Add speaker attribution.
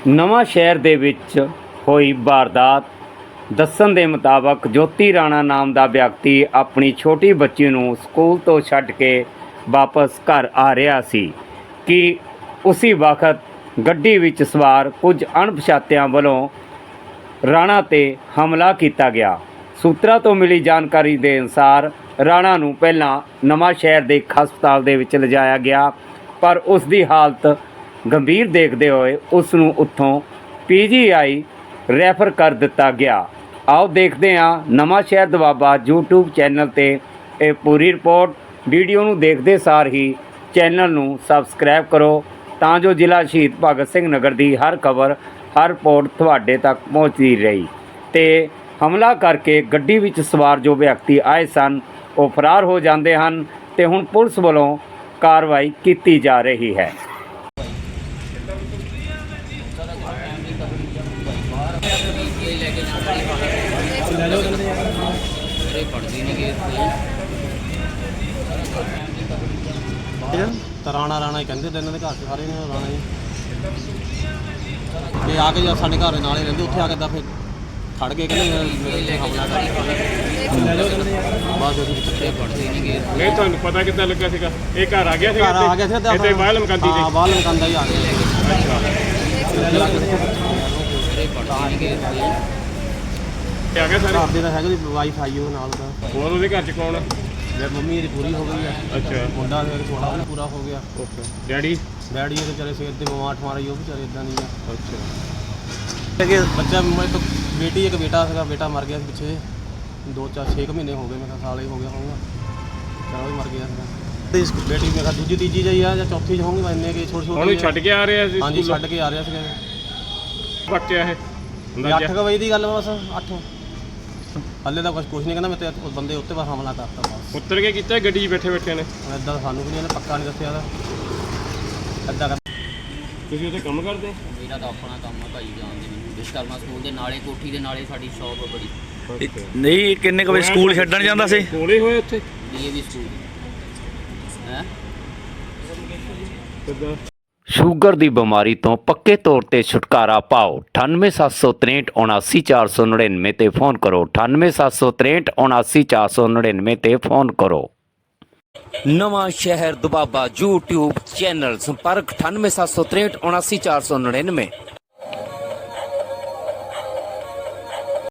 Speaker 1: ਨਵਾਂ ਸ਼ਹਿਰ ਦੇ ਵਿੱਚ ਹੋਈ ਵਾਰਦਾਤ। ਦੱਸਣ ਦੇ ਮੁਤਾਬਕ ਜੋਤੀ ਰਾਣਾ ਨਾਮ ਦਾ ਵਿਅਕਤੀ ਆਪਣੀ ਛੋਟੀ ਬੱਚੀ ਨੂੰ ਸਕੂਲ ਤੋਂ ਛੱਡ ਕੇ ਵਾਪਸ ਘਰ ਆ ਰਿਹਾ ਸੀ ਕਿ ਉਸੇ ਵਕਤ ਗੱਡੀ ਵਿੱਚ ਸਵਾਰ ਕੁਝ ਅਣਪਛਾਤਿਆਂ ਵੱਲੋਂ ਰਾਣਾ 'ਤੇ ਹਮਲਾ ਕੀਤਾ ਗਿਆ। ਸੂਤਰਾਂ ਤੋਂ ਮਿਲੀ ਜਾਣਕਾਰੀ ਦੇ ਅਨੁਸਾਰ ਰਾਣਾ ਨੂੰ ਪਹਿਲਾਂ ਨਵਾਂ ਸ਼ਹਿਰ ਦੇ ਇੱਕ ਹਸਪਤਾਲ ਦੇ ਵਿੱਚ ਲਿਜਾਇਆ ਗਿਆ, ਪਰ ਉਸ ਦੀ ਹਾਲਤ ਗੰਭੀਰ ਦੇਖਦੇ ਹੋਏ ਉਸ ਨੂੰ ਉੱਥੋਂ PGI ਰੈਫਰ ਕਰ ਦਿੱਤਾ ਗਿਆ। ਆਓ ਦੇਖਦੇ ਹਾਂ ਨਵਾਂ ਸ਼ਹਿਰ ਦੁਆਬਾ YouTube ਚੈਨਲ 'ਤੇ ਇਹ ਪੂਰੀ ਰਿਪੋਰਟ। ਵੀਡੀਓ ਨੂੰ ਦੇਖਦੇ ਸਾਰ ਹੀ ਚੈਨਲ ਨੂੰ ਸਬਸਕ੍ਰਾਈਬ ਕਰੋ ਤਾਂ ਜੋ ਜ਼ਿਲ੍ਹਾ ਸ਼ਹੀਦ ਭਗਤ ਸਿੰਘ ਨਗਰ ਦੀ ਹਰ ਖਬਰ ਹਰ ਰਿਪੋਰਟ ਤੁਹਾਡੇ ਤੱਕ ਪਹੁੰਚਦੀ ਰਹੀ। ਤੇ ਹਮਲਾ ਕਰਕੇ ਗੱਡੀ ਵਿੱਚ ਸਵਾਰ ਜੋ ਵਿਅਕਤੀ ਆਏ ਸਨ ਉਹ ਫਰਾਰ ਹੋ ਜਾਂਦੇ ਹਨ ਤੇ ਹੁਣ ਪੁਲਿਸ ਵੱਲੋਂ ਕਾਰਵਾਈ ਕੀਤੀ ਜਾ ਰਹੀ ਹੈ।
Speaker 2: ਰਾਣਾ ਰਾਣਾ ਹੀ ਕਹਿੰਦੇ ਤੇ ਇਹਨਾਂ ਦੇ ਘਰ 'ਚ ਸਾਰੇ ਨੇ ਰਾਣਾ ਜੀ। ਤੇ ਆ ਕੇ ਜਦ ਸਾਡੇ ਘਰ ਦੇ ਨਾਲ ਹੀ ਰਹਿੰਦੇ ਉੱਥੇ ਆ ਕੇ ਤਾਂ ਫਿਰ ਖੜ ਗਏ, ਕਹਿੰਦੇ ਮੇਰੇ ਤੇ ਹਮਲਾ ਕਰ ਬਾਅਦ ਵਿੱਚ ਕਿੱਥੇ ਪੜਦੇ ਨਹੀਂ ਗਏ।
Speaker 3: ਨਹੀਂ ਤੁਹਾਨੂੰ ਪਤਾ ਕਿੱਦਾਂ ਲੱਗਾ ਸੀਗਾ? ਇਹ ਘਰ ਆ ਗਿਆ ਸੀਗਾ?
Speaker 2: ਘਰ ਆ ਗਿਆ ਸੀ
Speaker 3: ਇੱਥੇ ਬਾਹਰ ਲਮਕਾਂਦੀ ਸੀ।
Speaker 2: ਹਾਂ ਬਾਹਰ ਲਮਕਾਂਦਾ ਹੀ ਆ ਗਿਆ।
Speaker 3: ਅੱਛਾ ਆ ਗਿਆ ਸਾਰੇ
Speaker 2: ਘਰ ਦੇ ਤਾਂ ਹੈਗਾ ਜੀ, ਵਾਈਫ ਆਈ ਉਹ ਨਾਲ ਦਾ।
Speaker 3: ਹੋਰ ਉਹਦੇ ਘਰ ਚ ਕੌਣ ਆ?
Speaker 2: ਮੇਰੀ ਮੰਮੀ ਇਹਦੀ ਪੂਰੀ ਹੋ ਗਈ ਹੈ।
Speaker 3: ਅੱਛਾ
Speaker 2: ਮੁੰਡਾ ਮੇਰਾ ਥੋੜਾ ਵੀ ਪੂਰਾ ਹੋ ਗਿਆ।
Speaker 3: Okay daddy?
Speaker 2: ਡੈਡੀ ਇਹਦੇ ਵਿਚਾਰੇ ਸਿਰ ਤੇ ਬਿਮਾਰ ਠਮਾਰ ਹੀ, ਉਹ ਵਿਚਾਰੇ ਇਦਾਂ ਨਹੀਂ ਆ।
Speaker 3: ਅੱਛਾ
Speaker 2: ਬੱਚਾ ਮੇਰੇ ਤੋਂ ਬੇਟੀ ਇੱਕ ਬੇਟਾ ਸੀਗਾ, ਬੇਟਾ ਮਰ ਗਿਆ ਸੀ ਪਿੱਛੇ 2-4-6 ਮਹੀਨੇ ਹੋ ਗਏ, ਮੇਰਾ ਸਾਲ ਹੀ ਹੋ ਗਿਆ ਹੋਊਗਾ, ਚਲੋ ਵੀ ਮਰ ਗਿਆ ਸੀਗਾ। ਬੇਟੀ ਮੇਰਾ ਦੂਜੀ ਤੀਜੀ ਜਾਈ ਆ ਜਾਂ ਚੌਥੀ ਚ ਹੋਊਗੀ, ਮੈਂ ਇੰਨੇ ਕਿ ਛੋਟੇ
Speaker 3: ਉਹਨੂੰ ਛੱਡ ਕੇ ਆ ਰਿਹਾ ਸੀ?
Speaker 2: ਹਾਂਜੀ ਛੱਡ ਕੇ ਆ ਰਿਹਾ ਸੀਗਾ।
Speaker 3: ਬੱਚਾ ਇਹ
Speaker 2: 8 ਵਜੇ ਦੀ ਗੱਲ ਬਸ 8 ਹੱਲੇ ਤਾਂ ਕੁਛ ਨਹੀਂ ਕਹਿੰਦਾ। ਮੈਂ ਤੇ ਬੰਦੇ ਉੱਤੇ ਬਸ ਹਮਲਾ ਕਰਤਾ ਬਸ।
Speaker 3: ਉੱਤਰ ਕੇ ਕੀਤਾ ਗੱਡੀ 'ਚ ਬੈਠੇ ਬੈਠੇ ਨੇ?
Speaker 2: ਇੱਦਾਂ ਸਾਨੂੰ ਵੀ ਨਹੀਂ ਇਹਨੇ ਪੱਕਾ ਨਹੀਂ ਦੱਸਿਆ ਤਾਂ ਇੱਦਾਂ ਕਰ।
Speaker 3: ਤੁਸੀਂ ਉੱਥੇ ਕੰਮ ਕਰਦੇ?
Speaker 4: ਮੇਰਾ ਤਾਂ ਆਪਣਾ ਕੰਮ ਆ ਭਾਈ, ਜਾਣਦੇ ਮੈਨੂੰ ਵਿਸ਼ਕਰਮਾ ਸਕੂਲ ਦੇ ਨਾਲੇ, ਕੋਠੀ ਦੇ ਨਾਲੇ ਸਾਡੀ ਸ਼ੌਪ ਆ ਬੜੀ।
Speaker 5: ਨਹੀਂ ਕਿੰਨੇ ਕੁ ਵਜੇ ਸਕੂਲ ਛੱਡਣ ਜਾਂਦਾ ਸੀ?
Speaker 3: ਕੋਲੇ ਹੋਏ ਉੱਥੇ
Speaker 4: DAV ਸਕੂਲ ਹੈ।
Speaker 3: ਕਿੱਦਾਂ?
Speaker 1: ਸ਼ੂਗਰ ਦੀ ਬਿਮਾਰੀ ਤੋਂ ਪੱਕੇ ਤੌਰ ਤੇ ਛੁਟਕਾਰਾ ਪਾਓ। 9876379499 ਤੇ ਫੋਨ ਕਰੋ। 9876379499 ਤੇ ਫੋਨ ਕਰੋ। ਨਵਾਂ ਸ਼ਹਿਰ ਦੁਆਬਾ YouTube ਚੈਨਲ ਸੰਪਰਕ 9876379499।